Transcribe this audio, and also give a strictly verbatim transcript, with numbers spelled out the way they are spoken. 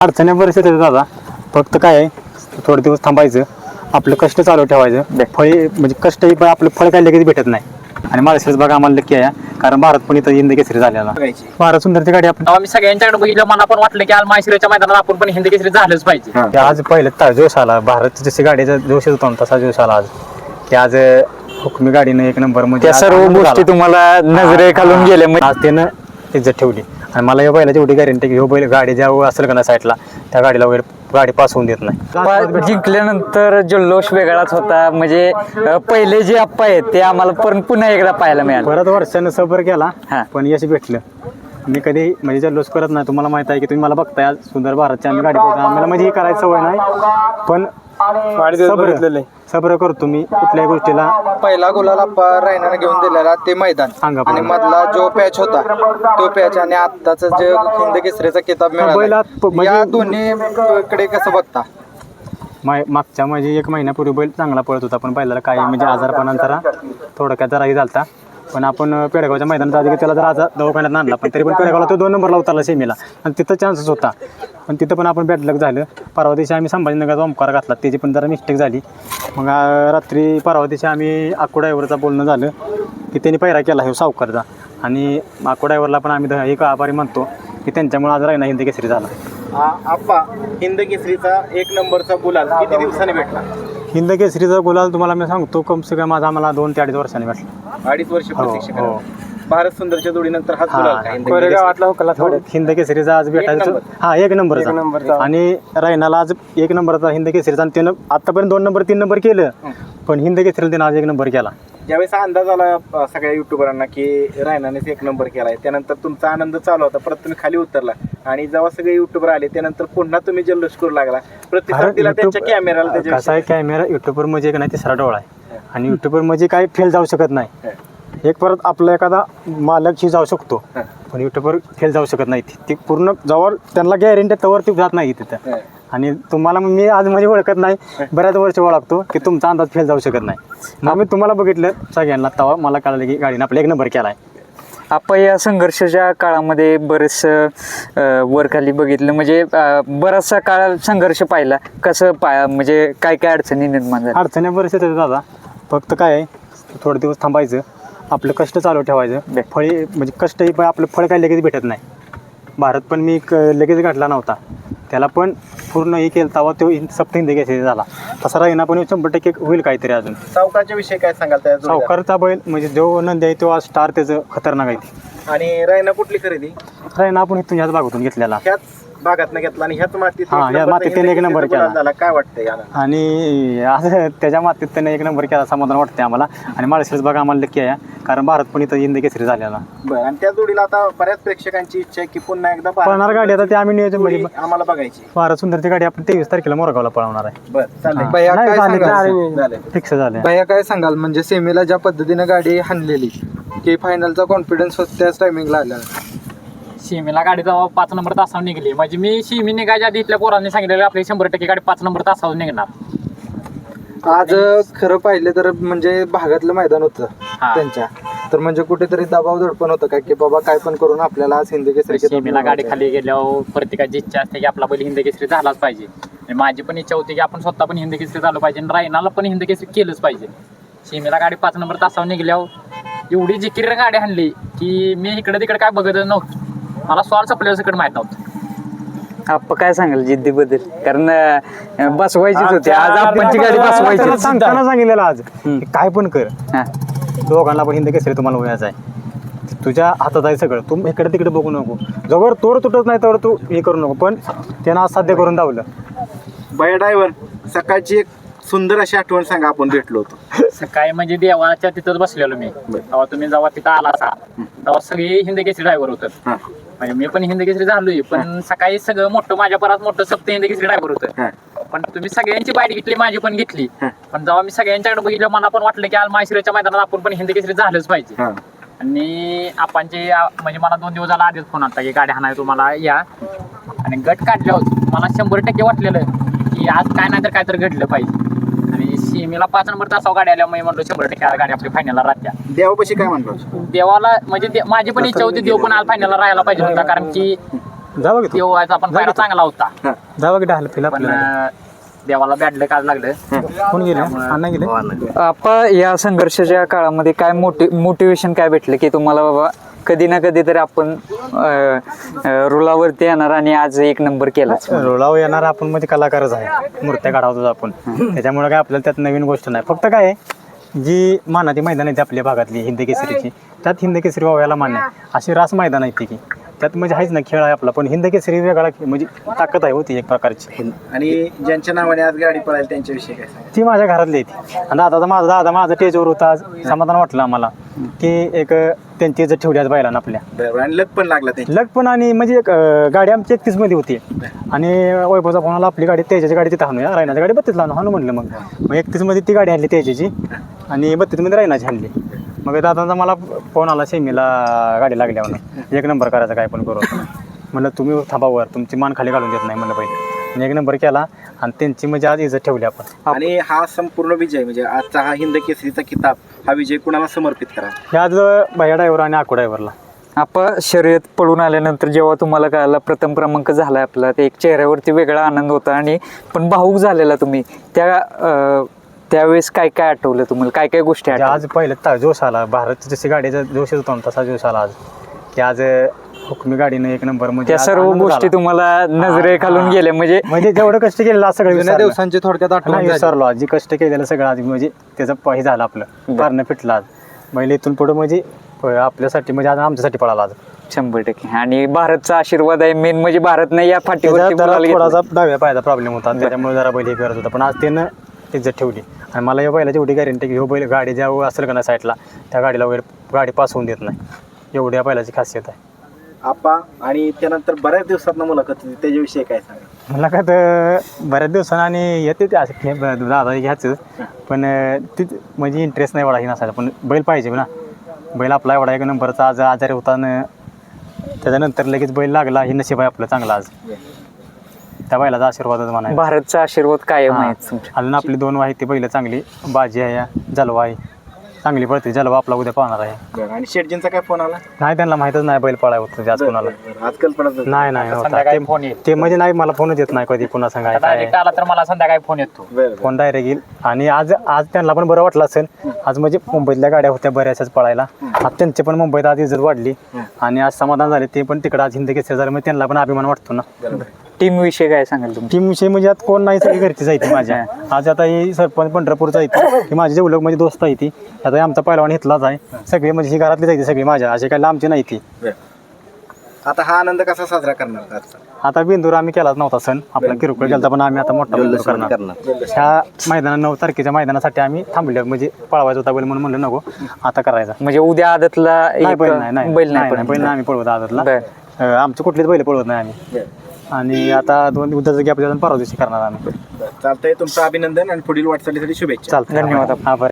अडचणी परिस्थिती आहे दादा. फक्त काय आहे, थोडे दिवस थांबायचं, आपलं कष्ट चालू ठेवायचं. फळी म्हणजे कष्ट पण आपलं फळ काय लगेच भेटत नाही. आणि माळशिरस बघा आम्हाला नक्की आहे, कारण भारत पण इथं हिंद केसरी झालेला. भारत सुंदरची गाडी आपण आम्ही सगळ्यांच्याकडे बघितलं, मला पण वाटलं की आज माळशिरसच्या मैदानात आपण पण हिंद केसरी झालंच पाहिजे. आज पहिलं ता जोश आला. भारत जशी गाडीचा जोश होता ना, तसा जोश आला आज की आज हुकमी गाडीनं एक नंबर म्हणजे त्या सर्व गोष्टी तुम्हाला नजरे खालून गेल्या. आज त्यानं इज्जत ठेवली. आणि मला या बैलाची एवढी गॅरंटी की ह्यो बैल गाडी ज्या असेल का ना साईडला, त्या गाडीला वगैरे गाडी पास होऊन देत नाही. जिंकल्यानंतर जल्लोष वेगळाच होता. म्हणजे अं, पहिले जे अप्पा आहेत ते आम्हाला पण पुन्हा एकदा पाहायला मिळालं. परत वर्षानं सबर केला, हा. पण यश भेटलं. मी कधी म्हणजे जल्लोष करत नाही. तुम्हाला माहित आहे की तुम्ही मला बघताय आज सुंदर भारतची आम्ही गाडी बघतो. आम्हाला म्हणजे ही करायची सवय नाही, पण सबर सबर करतो मी कुठल्याही गोष्टीला. पहिला गुलाला रायनाने घेऊन दिलेला ते मैदान सांगा आणि बरं. मधला जो पॅच होता तो पॅच आणि आत्ताच जे हिंद केसरीचा किताब मिळाला बैलात प- म्हणजे- या दोन्ही कडे कसं बघता? माय मागच्या म्हणजे एक महिन्यापूर्वी बैल चांगला पळत होता, पण बैलाला काही म्हणजे आजारपणा जरा थोडक्यात जराही झालता. पण आपण पेडगावच्या मैदानात आधी त्याला जर आज दवाखान्यात आणला, पण तरी पण पेडगावला तो दोन नंबरला उतरला सेमीला, आणि तिथं चान्सेस होता. पण तिथं पण आपण बॅड लक झालं. परवा दिवशी आम्ही संभाजीनगरचा ओमकार घातला, त्याची पण जरा मिस्टेक झाली. मग आ, रात्री परवा दिवशी आम्ही आक्को ड्रायव्हरचा बोलणं झालं की त्यांनी पैरा केला हे सावकारचा, आणि आक्को ड्रायव्हरला पण आम्ही ध- एक आभारी म्हणतो की त्यांच्यामुळे आज रायना हिंद केसरी झाला. आप्पा हिंद केसरीचा एक नंबरचा गुलाल किती दिवसांनी भेटला? हिंद केसरीचा गुलाल तुम्हाला मी सांगतो कम से कम माझा आम्हाला दोन ते अडीच वर्षांनी भेटला. अडीच वर्ष हो, प्रतीक्षा हो. करा. भारत सुंदरच्या जोडीनंतर हाच गुलाल का हिंद थोडं हिंद केसरीचा आज भेटायचं. नंबर. हा एक नंबरचा. आणि रायनाला आज एक नंबरचा हिंद केसरीचा, आणि त्यानं आतापर्यंत दोन नंबर तीन नंबर केलं, पण हिंद केसरीला त्यानं आज एक नंबर केला. ज्यावेळेस अंदाज आला अ, सगळ्या युट्यूबरांना की रायनानेच एक नंबर केलाय, त्यानंतर तुमचा आनंद चालू होता. परत तुम्ही खाली उतरला आणि जेव्हा सगळे युट्यूबर आले त्यानंतर पुन्हा तुम्ही जल्लोष करू लागला, प्रतिसाद दिला त्यांच्या कॅमेराला. कसा त्याच्या आहे, कॅमेरा युट्यूबर म्हणजे एक नाही तिसरा डोळा आहे, आणि युट्यूबर म्हणजे काय फेल जाऊ शकत नाही. एक परत आपला एखादा मालकशी जाऊ शकतो, पण युट्यूबर फेल जाऊ शकत नाही. ती पूर्ण जवळ त्यांना गॅरंटी तवर ती जात नाही तिथं. आणि तुम्हाला मी आज म्हणजे ओळखत नाही, बऱ्याच वर्ष ओळखतो की तुमचा अंदाज फेल जाऊ शकत नाही. मग मी तुम्हाला बघितलं सगळ्यांना, तेव्हा मला कळलं की गाडीनं आपला एक नंबर केला आहे. आपण या संघर्षाच्या काळामध्ये बरेच वर खाली बघितलं. म्हणजे अं, बराचसा काळ संघर्ष पाहिला. कसं पाय म्हणजे काय काय अडचणी निर्माण झाल्या? अडचणी परिस्थिती आहे दादा. फक्त काय आहे, थोडे दिवस थांबायचं, आपलं कष्ट चालू ठेवायचं. फळी म्हणजे कष्ट पण आपलं फळ काय लगेच भेटत नाही. भारत पण मी क लगेच गाठला नव्हता, त्याला पण पूर्ण हे केलं तेव्हा तो सप्त हिंद केसरी झाला. तसा राहिना पण शंभर टक्के होईल काहीतरी अजून. सावकारच्या विषयी काय सांगाल त्या जोडीदार? सावकारचा बैल म्हणजे जो नंदी आहे तो आज स्टार त्याचं खतरनाक आहे. ती आणि रायना कुठली खरेदी? राहिना आपण इथून ह्याच भागातून घेतलेला, ह्याच भागात घेतला आणि ह्याच मातीत हा, एक ह्या नंबरचा मातीत त्याने हिंद एक नंबर केसरीचा केला. गुलाल झाला. काय वाटतंय याला? आणि आज त्याच्या मातीत त्याने एक नंबर केला, समाधान वाटते आम्हाला. आणि माळशिरस बघा आम्हाला नक्की आहे, कारण भारत पण इथं हिंद केसरी झालेला. बरं. आणि त्या जोडीला आता बऱ्याच प्रेक्षकांची इच्छा आहे की पुन्हा एकदा पळणार गाडी आता ते आम्ही नियोजन जोडी म्हणजे आम्हाला बघायची. भारत सुंदरची गाडी आपण तेवीस तारखेला मोरगावला पळवणार आहे. बरं, चालेल. हा. भैया नाही, काय झाले, सांगाल? झाले. फिक्स झाले. भैया काय सांगाल, म्हणजे सेमीला ज्या पद्धतीने गाडी हाणलेली की फायनलचा कॉन्फिडन्स त्याच टायमिंगला आला? सीमेला गाडी जेव्हा पाच नंबर तासावर निघली, म्हणजे मी सीमी निघायच्या आधी इथल्या पोरांनी सांगितलेलं आपली शंभर टक्के गाडी पाच नंबर तासावर निघणार. आज खरं पाहिलं तर म्हणजे भागातलं मैदान होतं हा. त्यांच्या, तर म्हणजे कुठेतरी दबाव दडपण होतं का की बाबा काय पण करून आपल्याला आज हिंद केसरी किताब सीमेला गाडी मिळवायचा आहे? खाली गेल्यावर प्रत्येकाची इच्छा असते की आपला बैल हिंद केसरी झालाच पाहिजे. आणि माझी पण इच्छा होती की आपण स्वतः पण हिंद केसरी झालं पाहिजे, आणि रायनाला पण हिंद केसरी केलंच पाहिजे. सीमेला गाडी पाच नंबर तासावर निघल्यावर एवढी जिकीर गाडी आणली की मी इकडे तिकडे काय बघतच नव्हतं. मला सॉल सप्लेअर सकट माहित नव्हतं. आपण काय सांगाल जिद्दीबद्दल? कारण अं, बसवायचीच होती आज, आपणची गाडी त्याला बसवायची. सांगताना सांगितलेलं आज हम्म. की काय पण कर, हा. दोघांना पण हिंद केसरी तुम्हाला व्हायचं आहे. तुझ्या हातात आहे सगळं, तू इकडे तिकडे बघू नको. जवळ तोड तुटत नाही तर तू हे करू नको, पण त्यानं आज साध्य करून दावलं. भैया ड्रायव्हर, सकाळची एक सुंदर अशी आठवण सांगा, आपण भेटलो होतो. सकाळी म्हणजे देवाच्या तिथंच बसलेलो मी. तेव्हा तुम्ही जेव्हा तिथं आला असा तेव्हा सगळे हिंद केसरी ड्रायव्हर होतं. म्हणजे मी पण हिंद केसरी झालोय, पण सकाळी सगळं मोठं माझ्या परत मोठं सप्त हिंद केसरी ड्रायव्हर होतं. पण तुम्ही सगळ्यांची बाईट घेतली, माझी पण घेतली. पण जेव्हा मी सगळ्यांच्याकडे बघितलं, मला पण वाटलं की आज माळशिरसच्या मैदानात आपण पण हिंद केसरी झालंच पाहिजे. आणि आपणचे म्हणजे मला दोन दिवस झाला आधीच फोन आला की गाडी हाणाय तुम्हाला या. आणि गट काढल्यावर मला शंभर टक्के वाटलेलं की आज काय नाही तर काय तर घडलं पाहिजे. आणि सीमेला पाच नंबर तासावर गाडी आल्या, मी म्हणलो शंभर टक्के आज गाडी आपली फायनलला राहत्या. देवापाशी काय म्हणतो? देवाला म्हणजे दे- माझी पण इच्छा होती देव पण आज फायनलला राहायला पाहिजे होता, कारण की जावं की तू? तो व्हायचा पण पायरा चांगला होता जावं की ढाल फिला पण आपल्याला अं, देवाला बॅडलं काल लागलं कोण गेले अण्णा गेले आपा या संघर्षाच्या काळामध्ये काय मोटि मोटिवेशन काय भेटलं की तुम्हाला बाबा कधी ना कधी तरी आपण अं, अं, रुलावरती येणार आणि आज एक नंबर केला रोलावर येणार आपण मध्ये कलाकारच आहे मूर्त्या काढावतो आपण त्याच्यामुळे काय आपल्याला त्यात नवीन गोष्ट नाही फक्त काय आहे, जी मानाची मैदान आहेत आपल्या भागातली हिंद केसरीची त्यात हिंद केसरी व्हायला मान्य आहे. अशी रास मैदान आहे ती की त्यात म्हणजे आहेच ना खेळ आहे आपला पण हिंद केसरी वेगळा खेळ, म्हणजे ताकद आहे होती एक प्रकारची आणि ज्यांच्या नावाने आज गाडी पळाली त्यांच्याविषयी काय सांगा? ती माझ्या घरातली आहे आणि दादा माझा दादा माझा टेजवर होता आज समाधान वाटलं आम्हाला की एक त्यांची इज्जत ठेवली आज बैलांना आपल्या बरोबर. आणि लग पण लागला त्यांची. लग पण आणि म्हणजे एक, अं, गाडी आमची एकतीस मध्ये होती आणि वैभवचा फोनाला आपली गाडी तेजाची गाडी तिथं हाणूया रायनाची गाडी बत्तीस लावून हाणू म्हणलं मग मग एकतीस मध्ये ती गाडी आणली तेजाची आणि बत्तीस मध्ये रायनाची आणली मग दादांचा मला फोन आला सेमीला गाडी लागल्या म्हणून एक नंबर करायचा काय पण करू म्हणलं तुम्ही थांबावर तुमची मान खाली घालून देत नाही म्हणलं पहिले आणि एक नंबर केला आणि त्यांची म्हणजे आज इज्जत ठेवली आपण आणि हा संपूर्ण विजय म्हणजे आजचा हा हिंद केसरीचा किताब हा विजय कुणाला समर्पित करा? हे आज भैया ड्रायव्हर आणि आकू ड्रायव्हरला आपण शर्यत पळून आल्यानंतर जेव्हा तुम्हाला कळाला प्रथम क्रमांक झाला आपला ते एक चेहऱ्यावरती वेगळा आनंद होता आणि पण भाऊक झालेला तुम्ही त्या अं, त्यावेळेस काय काय आठवलं तुम्हाला काय काय गोष्टी म्हणजे आठवल्या आज पहिलं ता जोश आला भारत जशी गाडीचा जोश होता ना तसा जोश आला आज की आज हुकमी गाडीनं एक नंबर म्हणजे त्या आज सर्व आनंद गोष्टी झाला. तुम्हाला नजरे खालून गेल्या म्हणजे म्हणजे जेवढं कष्ट केलेलं आज सगळं जुन्या विसरलं. दिवसांची थोडक्यात आठवण नाही झाली. विसरलो आज जे कष्ट केलेलं सगळं आज म्हणजे त्याचं प- हे झालं आपलं पारणं फिटलं आज बैल इथून पुढं म्हणजे प- आपल्यासाठी म्हणजे आज आमच्यासाठी पळाला आज शंभर टक्के आणि भारतचा आशीर्वाद आहे मेन म्हणजे भारतने या फाटीवरती त्याचा गुलाल जरा घेतला. थोडासा डाव्या पायाचा प्रॉब्लेम होता त्याच्यामुळे जरा बैल हे करत होता पण आज त्यानं इज्जत ठेवली आणि मला या बैलाची एवढी गॅरंटी की ह्यो बैल गाडी ज्या असेल का ना साईडला त्या गाडीला वगैरे गाडी पास होऊन देत नाही एवढी या बैलाची खासियत आहे आप्पा आणि त्यानंतर बऱ्याच दिवसात मुलाखत होती, त्याच्याविषयी काय सांगा? मला काय तर बऱ्याच दिवसानं आणि येते ते असं खेळ दादा घ्यायचं पण ती म्हणजे इंटरेस्ट नाही एवढा ही नसायचा पण बैल पाहिजे ना बैल आपला एवढा एक नंबरचा आज आजारी होता न त्याच्यानंतर लगेच बैल लागला ही नशीब आहे आपलं चांगला आज त्या बैलाचा आशीर्वादच म्हणाय भारतचा आशीर्वाद कायम आहे तुमच्या. अजून आपली दोन वाही ती बैल चांगली बाजी आहे जलवा आहे चांगली पळते जलवा आपला उद्या पाहणार आहे बरं. आणि शेटजींचा काय फोन आला? नाही त्यांना माहीतच नाही बैल पळाय होतं जास्त कोणाला बरं. आज कल्पनाच नव्हती. नाही नाही नव्हता. संध्याकाळी ते- फोन येईल. ते म्हणजे नाही मला फोनच येत नाही कधी पुन्हा सांगाय काय डायरेक्ट आला तर मला संध्याकाळी फोन येतो बरं, बरं. फोन डायरेक्ट येईल आणि आज आज त्यांना पण बरं वाटलं असेल आज म्हणजे मुंबईतल्या गाड्या होत्या बऱ्याचशाच पळायला आज त्यांची पण मुंबईत आज इज्जत वाढली आणि आज समाधान झाले ते पण तिकडे आज हिंद केसरी झालं म्हणजे त्यांना पण अभिमान वाटतो ना बरोबर. टीम विषय काय सांगाल तुम्ही टीम विषयी म्हणजे आता कोण नाही सगळी घरचीच आहे ती माझ्या आज आता ही सरपंच पंढरपूरचा आहे ती ही माझी जेवढं म्हणजे दोस्त आहे ती आता हे आमचा पहिलवान इथलाच आहे सगळी म्हणजे ही घरातलीच आहे ती सगळी माझ्या अशी काही लांबची नाही ती बरं. आता हा आनंद कसा साजरा करणार आजचा? आता बिंदूर आम्ही केलाच नव्हता सण आपला किरकोळ केलता पण आम्ही आता मोठा बिंदूर करणार ह्या मैदाना नऊ तारखेच्या मैदानासाठी आम्ही थांबले म्हणजे पळवायचा होता बैल म्हणून म्हणलं नको आता करायचा म्हणजे उद्या आदतला नाही एक बैल नाही नाही बैल नाही नाही नाही, बैल नाही आम्ही पळवत आदतला बरं. अं, आमचं कुठलेच बैल पळवत नाही आम्ही बरं. आणि आता दोन उद्याचं गॅप परवा दिवशी करणार आम्ही चालतंय. तुमचं अभिनंदन आणि पुढील वाटचालीसाठी शुभेच्छा. चालतं धन्यवाद. आभार